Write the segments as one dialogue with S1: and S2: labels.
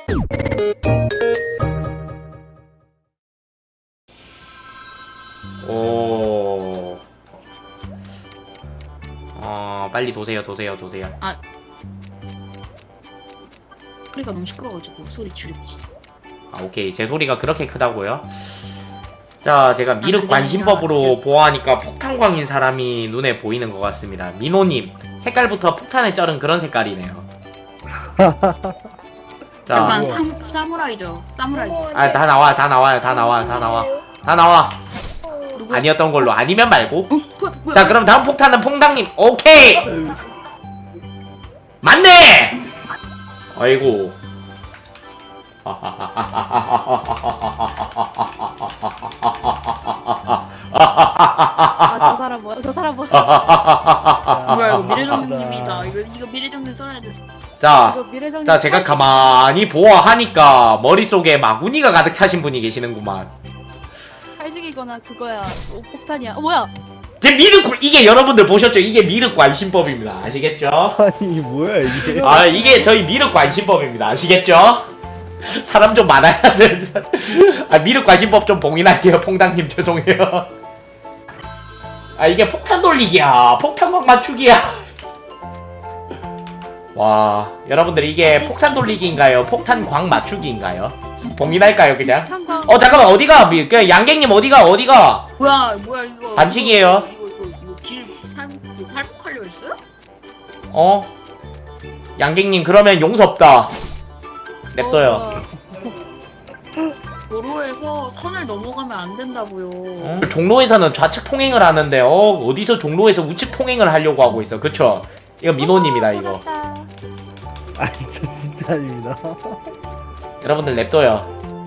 S1: 오. 빨리 도세요.
S2: 아, 소리가 너무 시끄러워가지고 소리 줄이고 있어.
S1: 아, 오케이. 제 소리가 그렇게 크다고요? 자, 제가 미륵
S2: 그게
S1: 관심법으로
S2: 아니라
S1: 보아하니까 폭탄광인 사람이 눈에 보이는 것 같습니다. 민호님, 색깔부터 폭탄에 쩔은 그런 색깔이네요. 자,
S2: 약간 사무라이죠. 사무라이.
S1: 아, 다 나와요. 다 나와.
S2: 누구?
S1: 아니었던 걸로. 아니면 말고.
S2: 뭐야?
S1: 자, 그럼 다음 폭탄은 퐁당님. 오케이! 맞네! 아이고.
S3: 저 사람 뭐야? 저 사람 뭐야?
S2: 뭐야 이거 미래정님이다. 이거 미래정님 써야 돼.
S1: 자,
S3: 이거 미래정님
S1: 자, 제가 가만히 보아하니까 머릿속에 마구니가 가득 차신 분이 계시는구만.
S3: 칼직이거나 그거야. 폭탄이야. 뭐야?
S1: 제 미륵, 이게 여러분들 보셨죠? 이게 미륵 관심법입니다. 아시겠죠?
S4: 아니 뭐야 이게?
S1: 아, 이게 저희 미륵 관심법입니다. 아시겠죠? 사람 좀 많아야 돼. 아, 미륵 관심법 좀 봉인할게요. 퐁당님 죄송해요. 아, 이게 폭탄 돌리기야. 폭탄광 맞추기야. 와, 여러분들 이게 폭탄 돌리기인가요? 폭탄광 맞추기인가요? 봉인할까요 그냥?
S3: 폭탄광.
S1: 잠깐만, 어디가? 그 양갱님 어디가?
S2: 뭐야 이거.
S1: 반칙이에요.
S2: 이거 길 탈북하려 했어요?
S1: 양갱님 그러면 용서 없다. 냅둬요.
S2: 도로에서 선을 넘어가면 안 된다고요.
S1: 종로에서는 좌측 통행을 하는데 어디서 종로에서 우측 통행을 하려고 하고 있어. 그쵸? 이거 민호님이다 이거.
S4: 아니 저 진짜 아닙니다.
S1: 여러분들 냅둬요.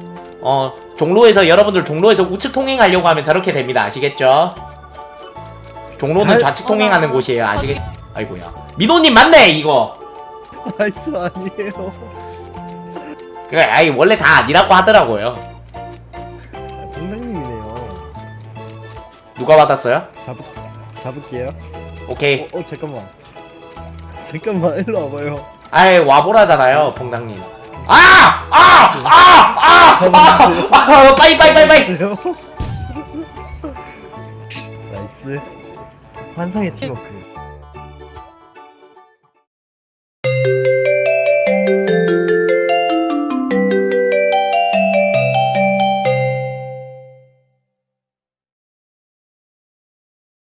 S1: 여러분들 종로에서 우측 통행하려고 하면 저렇게 됩니다. 아시겠죠? 종로는 좌측 통행하는 곳이에요. 아이고야. 민호님 맞네 이거.
S4: 아니 저 아니에요.
S1: 그래, 아이 원래 다 아니라고 하더라고요.
S4: 동생님이네요.
S1: 누가 받았어요?
S4: 잡을게요.
S1: 오케이.
S4: 잠깐만 일로 와봐요.
S1: 아이 와보라잖아요, 봉당님. 빨리.
S4: 나이스. 환상의 팀워크.